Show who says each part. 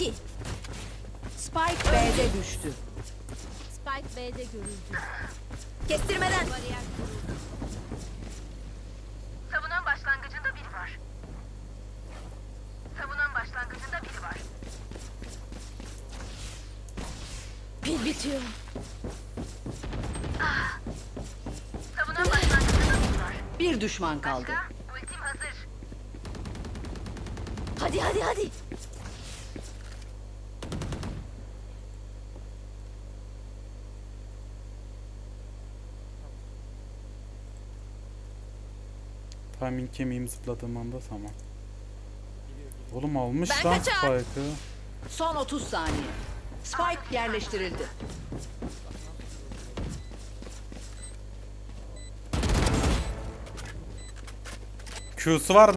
Speaker 1: 2.
Speaker 2: Spike B'de düştü.
Speaker 1: Spike B'de görüldü.
Speaker 3: Kestirmeden.
Speaker 1: Bariyer kuruldu.
Speaker 4: Savunan başlangıcında biri var. Savunan başlangıcında biri var.
Speaker 1: Pil bitiyor.
Speaker 4: Savunan başlangıcında biri var.
Speaker 2: Bir düşman kaldı.
Speaker 4: Ultim hazır.
Speaker 1: Hadi hadi hadi.
Speaker 5: Timing kemiğimi zıpladığım anda tamam. Oğlum almış
Speaker 3: Ben
Speaker 5: lan
Speaker 3: kaçar.
Speaker 5: Spike'ı.
Speaker 2: Son 30 saniye. Spike yerleştirildi.
Speaker 5: Q'su var